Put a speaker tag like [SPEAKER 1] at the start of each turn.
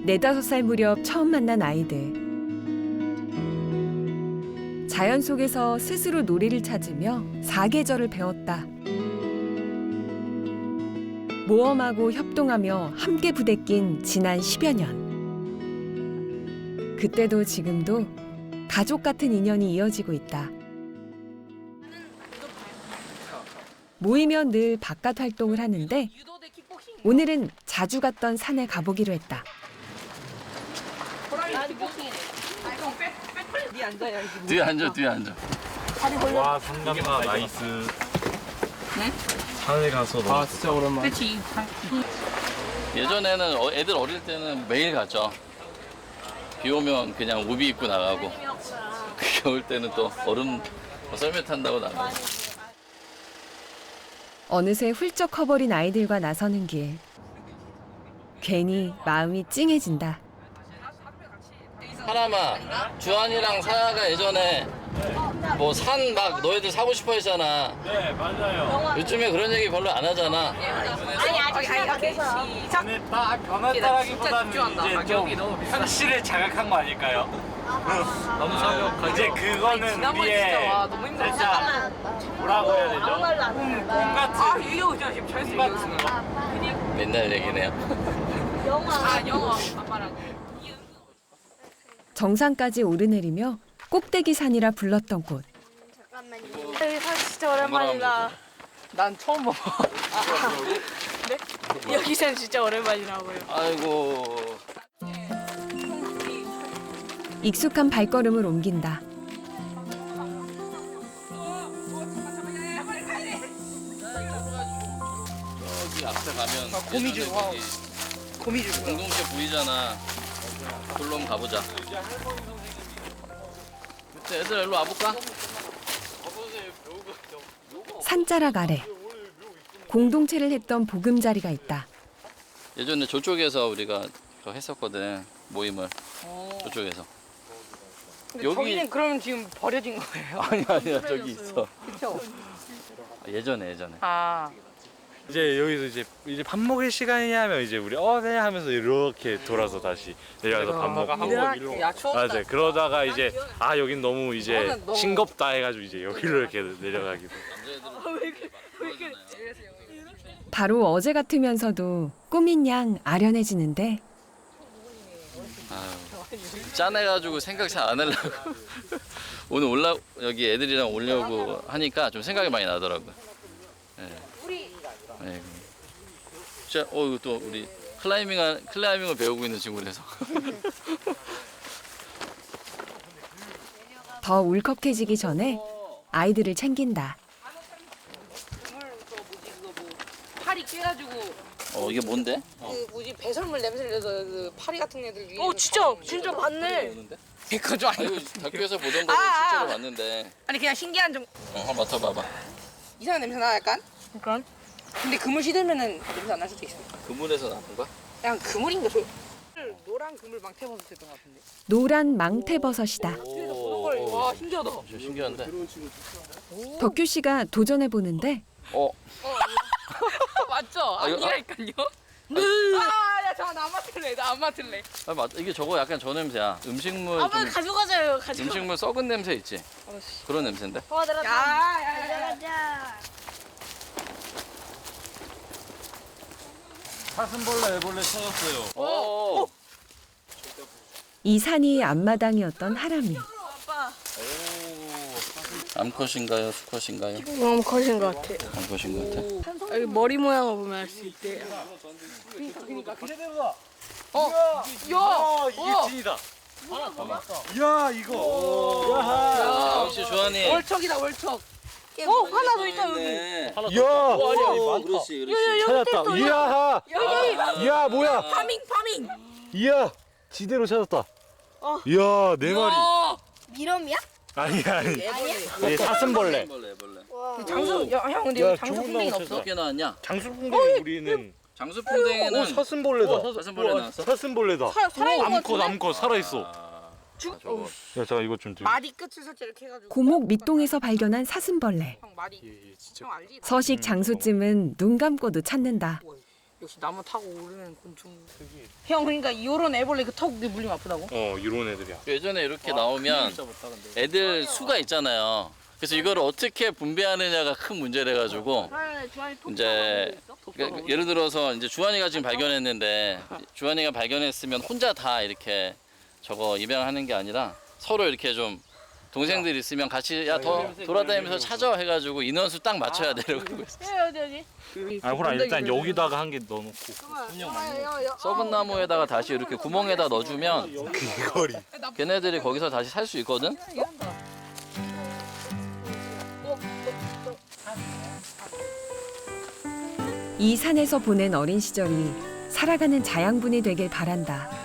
[SPEAKER 1] 4~5살 무렵 처음 만난 아이들. 자연 속에서 스스로 놀이를 찾으며 사계절을 배웠다. 모험하고 협동하며 함께 부대낀 지난 10여 년. 그때도 지금도 가족 같은 인연이 이어지고 있다. 모이면 늘 바깥 활동을 하는데 오늘은 자주 갔던 산에 가보기로 했다.
[SPEAKER 2] 뒤에 앉아.
[SPEAKER 3] 와, 상감가 나이스. 네? 산에 가서 너무
[SPEAKER 4] 진짜 오랜만에.
[SPEAKER 5] 그렇지.
[SPEAKER 2] 예전에는 애들 어릴 때는 매일 갔죠. 비 오면 그냥 우비 입고 나가고 겨울 때는 또 얼음 썰매 탄다고 나가고.
[SPEAKER 1] 어느새 훌쩍 커버린 아이들과 나서는 길. 괜히 마음이 찡해진다.
[SPEAKER 2] 하나마, 주한이랑 사야가 예전에 뭐 산 막 너희들 사고 싶어 했잖아.
[SPEAKER 3] 네, 맞아요.
[SPEAKER 2] 요즘에 그런 얘기 별로 안 하잖아.
[SPEAKER 3] 근데 딱 변했다라기보다는 이제 좀 현실을 자각한 거 아닐까요?
[SPEAKER 4] 너무 사격.
[SPEAKER 3] 이제 그거는 우리의 살짝 뭐라고 해야 되죠? 꿈 같은 꿈 같은 거.
[SPEAKER 2] 맨날 얘기네요.
[SPEAKER 5] 영어 아빠랑.
[SPEAKER 1] 정상까지 오르내리며 꼭대기 산이라 불렀던 곳.
[SPEAKER 6] 여기 산 진짜 오랜만이다.
[SPEAKER 5] 난 처음 봐.
[SPEAKER 6] 네? 여기 산 진짜 오랜만이라고요.
[SPEAKER 2] 아이고.
[SPEAKER 1] 익숙한 발걸음을 옮긴다.
[SPEAKER 2] 여기 앞에 가면
[SPEAKER 5] 고미줄, 와. 고미줄.
[SPEAKER 2] 공동체 보이잖아. 그걸로 한번 가보자. 애들 일로 와볼까?
[SPEAKER 1] 산자락 아래 공동체를 했던 보금자리가 있다.
[SPEAKER 2] 예전에 저쪽에서 우리가 그거 했었거든. 모임을. 저쪽에서.
[SPEAKER 5] 근데 저기는 그러면 지금 버려진 거예요?
[SPEAKER 2] 아니야 저기 있어.
[SPEAKER 5] 그렇죠.
[SPEAKER 2] 예전에.
[SPEAKER 5] 아.
[SPEAKER 3] 이제 여기서 이제 밥 먹을 시간이냐 하면 이제 우리 네 하면서 이렇게 돌아서 다시 내려가서 밥 먹고.
[SPEAKER 5] 야 추웠다.
[SPEAKER 3] 맞아요. 그러다가 이제 여긴 너무 이제
[SPEAKER 5] 이거는 너무-
[SPEAKER 3] 싱겁다 해가지고 이제 여기로 이렇게 내려가기도.
[SPEAKER 1] 바로 어제 같으면서도 꾸민 양 아련해지는데
[SPEAKER 2] 짠해가지고 생각 잘 안 하려고. 오늘 여기 애들이랑 오려고 하니까 좀 생각이 많이 나더라고. 네. 진짜 이거 또 우리 클라이밍을 배우고 있는 친구라서.
[SPEAKER 1] 더 울컥해지기 전에 아이들을 챙긴다.
[SPEAKER 5] 파리 깨가지고
[SPEAKER 2] 이게 뭔데?
[SPEAKER 5] 그 뭐지 배설물 냄새를 내서 그 파리 같은 애들 위에.
[SPEAKER 6] 진짜 맞네.
[SPEAKER 5] 그거
[SPEAKER 2] 아, 이거 다큐에서 보던 거를 실제로 봤는데.
[SPEAKER 5] 아니 그냥 신기한 좀
[SPEAKER 2] 한번 맡아봐봐.
[SPEAKER 5] 이상한 냄새 나 약간.
[SPEAKER 6] 그러니까
[SPEAKER 5] 근데 그물 시들면은 냄새 안 날 수도 있어.
[SPEAKER 2] 그물에서 나는 거야?
[SPEAKER 5] 그냥 그물인가 저. 노란 그물 망태버섯 했던 것 같은데.
[SPEAKER 1] 노란 망태버섯이다.
[SPEAKER 5] 와 신기하다.
[SPEAKER 2] 좀 신기한데.
[SPEAKER 1] 덕규 씨가 도전해 보는데
[SPEAKER 5] 맞죠?
[SPEAKER 2] 이거-
[SPEAKER 5] 아니라니까요. 아야 저 나 안 맡을래. 나 안 맡을래.
[SPEAKER 2] 이게 저거 약간 저 냄새야. 음식물
[SPEAKER 6] 아빠
[SPEAKER 2] 좀
[SPEAKER 6] 가져가자요.
[SPEAKER 2] 음식물 썩은 냄새 있지? 그런 냄새인데.
[SPEAKER 5] 야야야.
[SPEAKER 6] 가자.
[SPEAKER 3] 사슴벌레, 애벌레 찾았어요.
[SPEAKER 1] 이 산이 앞마당이었던 하람이.
[SPEAKER 2] 암컷인가요? 수컷인가요?
[SPEAKER 6] 너무 커진 것 같아.
[SPEAKER 2] 암컷인 것 같아.
[SPEAKER 6] 여기 머리 모양을 보면 알 수 있대.
[SPEAKER 3] 이게 진이다. 야, 이거.
[SPEAKER 2] 역시 주한이.
[SPEAKER 5] 월척이다 월척.
[SPEAKER 6] 하나 더 있다 여기.
[SPEAKER 2] 네.
[SPEAKER 3] 야,
[SPEAKER 2] 그렇지.
[SPEAKER 3] 찾았다. 이야, 이야, 뭐야?
[SPEAKER 5] 파밍.
[SPEAKER 3] 이야, 지대로 찾았다. 이야, 네 마리.
[SPEAKER 6] 미럼이야?
[SPEAKER 3] 아니. 이게 사슴벌레.
[SPEAKER 2] 벌레.
[SPEAKER 5] 장수 형 근데
[SPEAKER 3] 야,
[SPEAKER 5] 여기 장수
[SPEAKER 3] 좋은
[SPEAKER 5] 풍뎅이
[SPEAKER 3] 나무
[SPEAKER 5] 없어?
[SPEAKER 2] 몇 개 나왔냐?
[SPEAKER 3] 장수풍뎅이 우리는.
[SPEAKER 2] 장수풍뎅이는
[SPEAKER 3] 사슴벌레다.
[SPEAKER 2] 사슴벌레 나왔어?
[SPEAKER 3] 사슴벌레다.
[SPEAKER 5] 살아있는 것 같은데?
[SPEAKER 3] 암컷 살아있어.
[SPEAKER 2] 저거.
[SPEAKER 3] 야, 잠깐 이거 좀 들고.
[SPEAKER 5] 마디 끝을 살짝 이렇게 해가지고.
[SPEAKER 1] 고목 밑동에서 발견한 사슴벌레.
[SPEAKER 5] 형 마디. 형 알지?
[SPEAKER 1] 서식 장수쯤은 눈 감고도 찾는다.
[SPEAKER 5] 역시 나무 타고 오르는 곤충. 형 그러니까 요런 애벌레 그 턱 물리면 아프다고?
[SPEAKER 3] 이런 애들이야.
[SPEAKER 2] 예전에 이렇게 나오면 애들 수가 있잖아요. 그래서 이걸 어떻게 분배하느냐가 큰 문제래 가지고 이제 그러니까 예를 들어서 이제 주한이가 지금 발견했는데 주한이가 발견했으면 혼자 다 이렇게 저거 입양하는 게 아니라 서로 이렇게 좀 동생들 있으면 같이 야 더 돌아다니면서 찾아 해가지고 인원수 딱 맞춰야 되려고 있어.
[SPEAKER 5] 어디?
[SPEAKER 3] 아, 호랑 일단 여기다가 한 개 넣어놓고.
[SPEAKER 2] 썩은 나무에다가 다시 이렇게 구멍에다 넣어주면
[SPEAKER 3] 귀걸이.
[SPEAKER 2] 걔네들이 거기서 다시 살 수 있거든.
[SPEAKER 1] 이 산에서 보낸 어린 시절이 살아가는 자양분이 되길 바란다.